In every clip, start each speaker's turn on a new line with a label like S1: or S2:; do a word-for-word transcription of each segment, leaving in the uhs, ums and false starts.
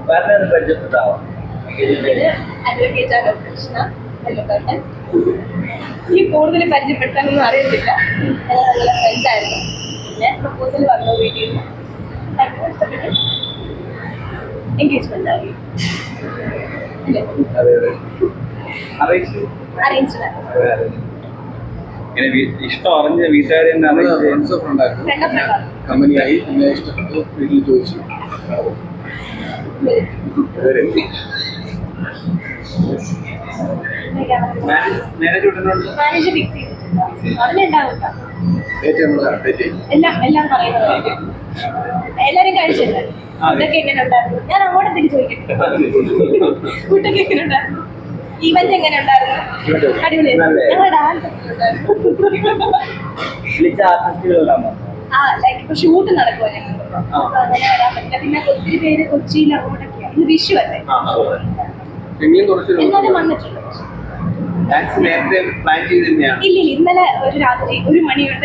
S1: പരിചയപ്പെട്ടാവാം.
S2: Advocate Krishna വെള്ളത്തോട്ടൻ. ഈ കൂടുതൽ പരിചയപ്പെടുത്താനൊന്നും അറിയത്തില്ല. നല്ല ഫ്രണ്ട്സ് ആയിരുന്നു. പിന്നെ പ്രപ്പോസൽ വന്നു വീട്ടിൽ നിന്ന് എൻഗേജ്മെന്റ് ആയി. അറേഞ്ച്ഡ്
S1: ഇഷ്ടം അറിഞ്ഞ വീട്ടുകാരെ
S3: കമ്പനിയായി പിന്നെ ഇഷ്ടപ്പെട്ടു വീട്ടിൽ ചോദിച്ചു.
S2: മാനേജ് ഫിക്സ് ചെയ്തിട്ടുണ്ട്. അതിലുണ്ടാവും എല്ലാം എല്ലാം പറയുന്നത്. എല്ലാരും കഴിച്ചില്ല. ഫുഡൊക്കെ എങ്ങനെ ഉണ്ടായിരുന്നു? ഞാൻ അങ്ങോട്ട് തിരിച്ചു ചോദിക്കട്ടെ. ഫുഡൊക്കെ എങ്ങനെ ഉണ്ടായിരുന്നു? ഈവന്റ് എങ്ങനെ ഉണ്ടായിരുന്നു? അടിപൊളി. ഞങ്ങളുടെ ഡാൻസ് ആ ലൈക്ക് ഇപ്പൊ ഷൂട്ട് നടക്കുമോ ഞങ്ങൾക്ക്, അങ്ങനെ വരാൻ പറ്റില്ല. പിന്നെ ഒത്തിരി പേര് കൊച്ചിയിൽ അങ്ങോട്ടൊക്കെയാണ്. ഇന്ന് വിഷു അല്ലേ, എന്നാലും വന്നിട്ടുണ്ട്. ഇല്ല ഇല്ല, ഇന്നലെ ഒരു രാത്രി ഒരു മണി കൊണ്ട്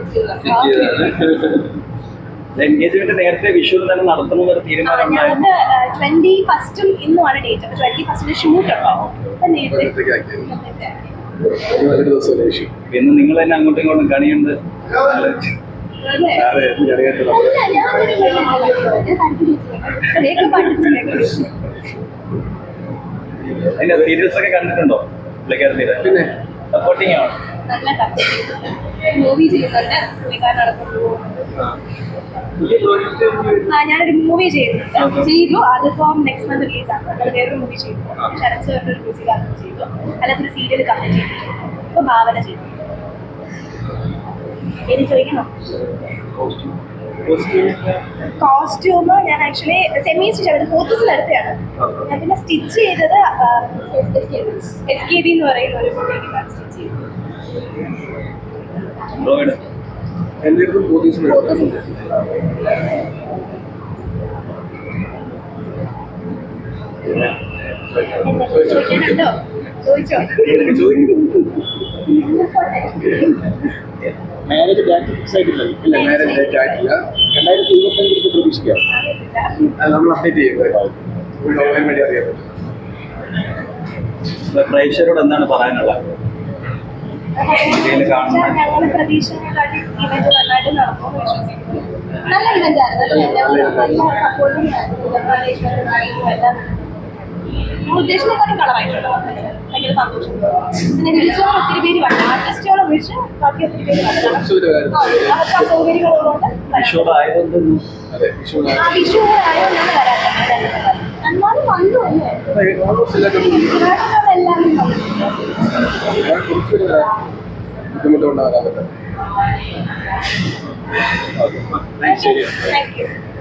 S1: എൻഗേജ്മെന്റ് നേരത്തെ വിഷു തന്നെ നടത്തണമെന്നൊരു തീരുമാനം.
S2: ഞങ്ങൾക്ക് ട്വന്റി ഫസ്റ്റും ഇന്നുമാണ് ഡേറ്റ്. അപ്പൊ ട്വന്റി ഫസ്റ്റിന് ഷൂട്ട് ഉണ്ടാവും.
S1: പിന്നെ നിങ്ങൾ തന്നെ അങ്ങോട്ടും ഇങ്ങോട്ടും കണിയുണ്ട്. അതിന്റെ സീരിയൽസ് ഒക്കെ കണ്ടിട്ടുണ്ടോ? പിന്നെ സപ്പോർട്ടിങ് ആണ്.
S2: നല്ല സപ്പോർട്ടിങ്. മൂവി ചെയ്യുന്നുണ്ട് പുള്ളിക്കാരനടക്കം. ആ ഞാനൊരു മൂവി ചെയ്യുന്നുണ്ട് ചെയ്തു. അതിപ്പം നെക്സ്റ്റ് മന്ത് റിലീസ് ആണ്. നമ്മൾ വേറൊരു മൂവി ചെയ്തു. ശരത് സാറിന്റെ ഒരു മ്യൂസിക് ആൽബം ചെയ്തു. അല്ലാത്തൊരു സീരിയൽ കംപ്ലീറ്റ് ചെയ്തിട്ടുണ്ട്. ഇപ്പൊ ഭാവന ചെയ്തു. എനിക്ക് ചോദിക്കണോ? കോസ്റ്റ്യൂം ഞാൻ ആക്ച്വലി സെമി സ്റ്റിച്ച് ചെയ്തത് പോത്തീസിൽ അടുത്താണ്. ഞാൻ പിന്നെ സ്റ്റിച്ച് ചെയ്തത് എസ് കെ ബി എന്ന് പറയുന്ന ഒരു ബൊട്ടീക്കിലാണ് സ്റ്റിച്ച് ചെയ്തത്.
S3: എൻ്റെ അടുത്തും പോത്തീസിൽ
S2: ചോദിക്കാനുണ്ടോ? ചോദിച്ചോ.
S3: മാരേജ് ഡേറ്റ് ഫിക്സ് ആയിട്ടില്ല. ഇല്ല, മാരേജ് ഡേറ്റ് ആയിട്ടില്ല. രണ്ടായിരത്തി ഇരുപത്തഞ്ചിലേക്ക് പ്രതീക്ഷിക്കാം. അത് നമ്മൾ അപ്ഡേറ്റ് ചെയ്യുന്നത് ഓൺലൈൻ വഴി അറിയാൻ പറ്റും.
S1: പ്രേക്ഷകരോട് എന്താണ് പറയാനുള്ളത്?
S2: ഞങ്ങളുടെ പ്രതീക്ഷകളായിട്ട് ഇവന്റ് നന്നായിട്ട് നടക്കുമെന്ന് വിശ്വസിക്കുന്നു. നല്ല ഇവന്റ് ആയിരുന്നു. നല്ല സപ്പോർട്ടിങ് ആയിരുന്നു. എല്ലാം ഉദ്ദേശിച്ചതിനെക്കാട്ടും കളറായിട്ടുണ്ടോ? ഭയങ്കര സന്തോഷം. പിന്നെ വിളിച്ചോളം ഒത്തിരി പേര് വന്നു. ആർട്ടിസ്റ്റുകളെ വിളിച്ച് ബാക്കി ഒത്തിരി പേര് വന്നു. അവർക്ക് അസൗകര്യങ്ങളുള്ളതുകൊണ്ട് ആ വിഷു ആയതുകൊണ്ടാണ് വരാത്തത്. എന്നാലും വന്നു എല്ലാവരും
S3: ബുദ്ധിമുട്ടുണ്ടാകാൻ
S2: താങ്ക് യു.